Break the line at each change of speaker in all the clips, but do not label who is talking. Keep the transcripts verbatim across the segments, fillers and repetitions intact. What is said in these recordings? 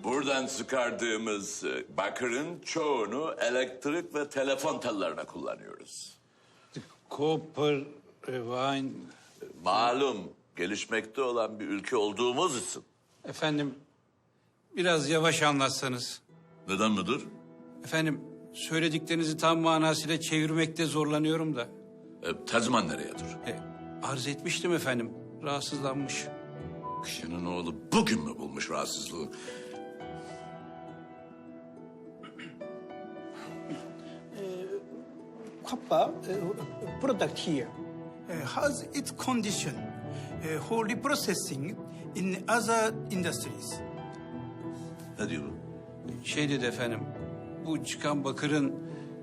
Buradan çıkardığımız e, bakırın çoğunu elektrik ve telefon tellerine kullanıyoruz.
Copper, wine...
Malum gelişmekte olan bir ülke olduğumuz için.
Efendim, biraz yavaş anlatsanız.
Neden müdür?
Efendim, söylediklerinizi tam manasıyla çevirmekte zorlanıyorum da.
E, tercüman nereyedir?
E, arz etmiştim efendim, rahatsızlanmış.
Kişinin oğlu bugün mü bulmuş rahatsızlığı?
Copper uh, product here uh, has its condition uh, for reprocessing in other industries.
Ne diyor bu?
Şey dedi efendim, bu çıkan bakırın...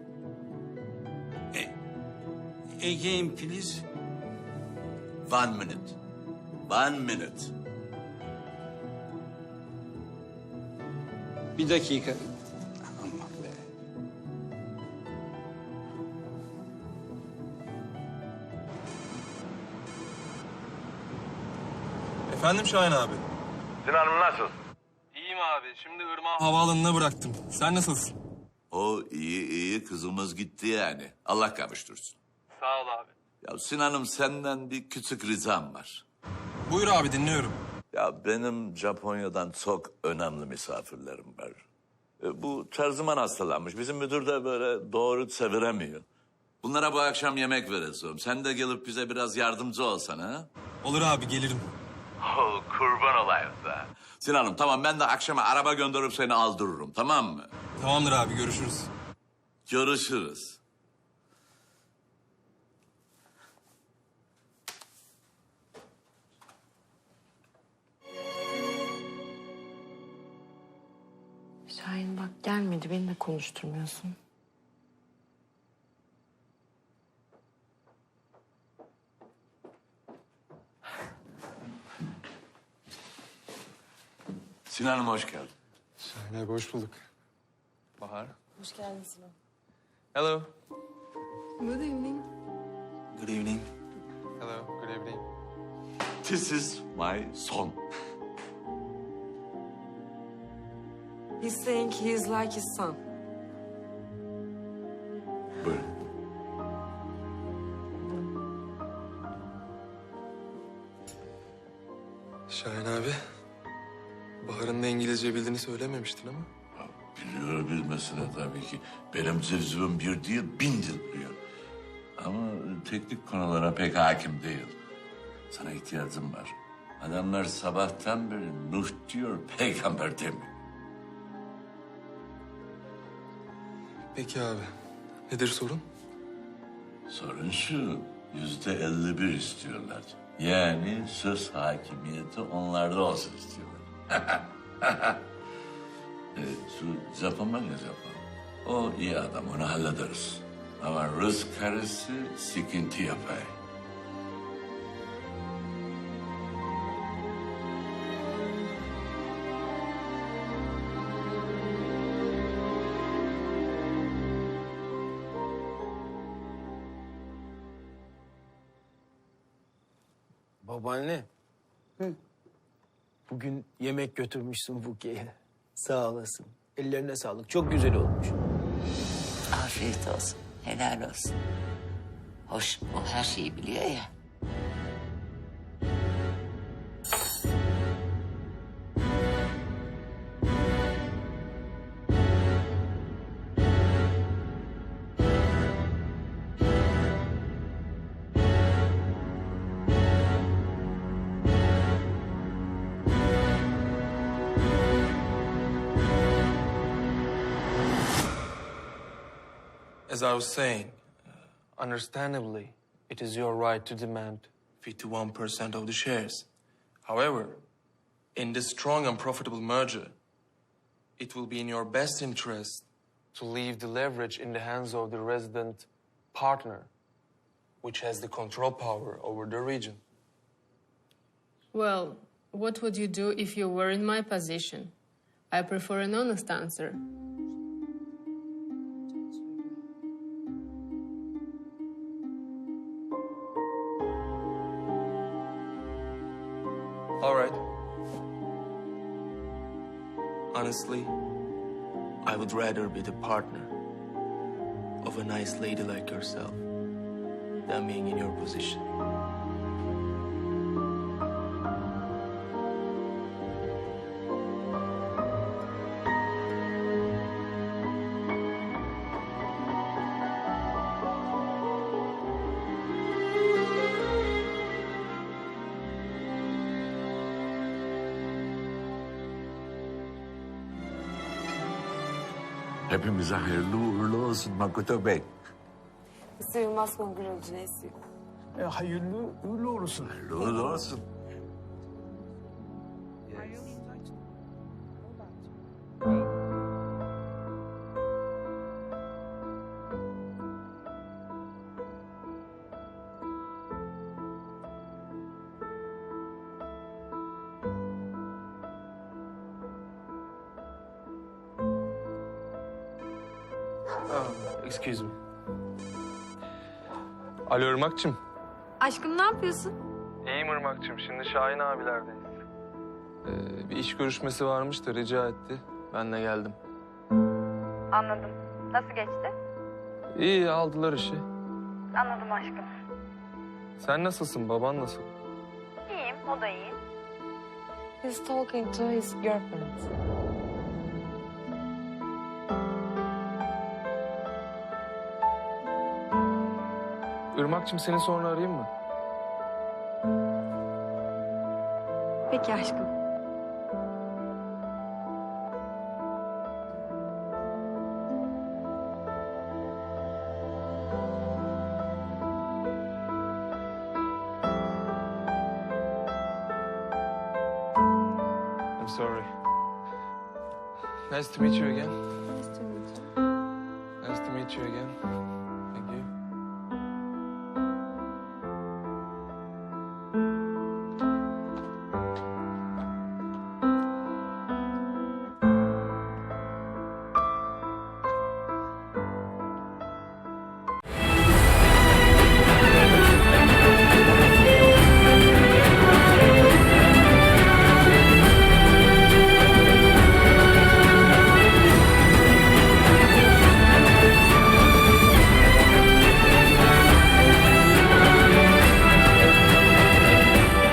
E, again please.
One minute. One minute.
Bir dakika. Aman be.
Efendim Şahin abi.
Sinan'ım nasıl?
İyiyim abi. Şimdi Irmak'ı havaalanına bıraktım. Sen nasılsın?
O iyi iyi kızımız gitti yani. Allah kavuştursun.
Sağ ol abi.
Ya Sinan'ım senden bir küçük ricam var.
Buyur abi dinliyorum.
Ya benim Japonya'dan çok önemli misafirlerim var. E, bu terziman hastalanmış. Bizim müdür de böyle doğru çeviremiyor. Bunlara bu akşam yemek vereceğim. Sen de gelip bize biraz yardımcı olsana. Ha?
Olur abi gelirim.
Oh, kurban olayım da. Sinan'ım tamam ben de akşama araba gönderip seni aldırırım tamam mı?
Tamamdır abi görüşürüz.
Görüşürüz.
Şahin bak gelmedi, beni de konuşturmuyorsun.
Sinan'ım hoş geldin.
Şahin abi hoş bulduk. Bahar.
Hoş geldin Sinan.
Hello.
Good evening.
Good evening. Hello. Good evening.
This is my son.
He's saying he is like his son.
Buyurun.
Şahin abi. Bahar'ın da İngilizce bildiğini söylememiştin ama.
Ya, biliyor bilmesine tabii ki. Benim cevzibim bir değil bin dil biliyor. Ama teknik konulara pek hakim değil. Sana ihtiyacım var. Adamlar sabahtan beri Nuh diyor, peygamber demiyor.
Peki abi. Nedir sorun?
Sorun şu, yüzde elli bir istiyorlar. Yani söz hakimiyeti onlarda olsun istiyorlar. e, şu Japon var ya Japon. O iyi adam, onu hallederiz. Ama Rus karısı sıkıntı yapar.
Babaanne. Hı. Bugün yemek götürmüşsün Buke'ye. Sağ olasın. Ellerine sağlık. Çok güzel olmuş.
Afiyet olsun, helal olsun. Hoş, o her şeyi biliyor ya.
As I was saying, uh, understandably, it is your right to demand fifty-one percent of the shares. However, in this strong and profitable merger, it will be in your best interest to leave the leverage in the hands of the resident partner, which has the control power over the region.
Well, what would you do if you were in my position? I prefer an honest answer.
All right. Honestly, I would rather be the partner of a nice lady like yourself than being in your position.
Hepimize hayırlı uğurlu olsun Makoto Bey.
Sığılmaz kongre oldu neyse.
E, hayırlı uğurlu olsun.
Hayırlı uğurlu olsun.
Oh, excuse me. Alo Irmak'cığım.
Aşkım ne yapıyorsun?
İyiyim Irmak'cığım. Şimdi Şahin abilerdeyiz. Ee, bir iş görüşmesi varmış da rica etti. Ben de geldim.
Anladım. Nasıl geçti?
İyi, aldılar işi.
Anladım aşkım.
Sen nasılsın? Baban nasıl?
İyiyim, o da iyi.
He's talking to his girlfriend.
Irmak'cığım seni sonra arayayım mı?
Peki aşkım.
I'm sorry. Nice to meet you again.
Nice to meet you.
Nice to meet you again.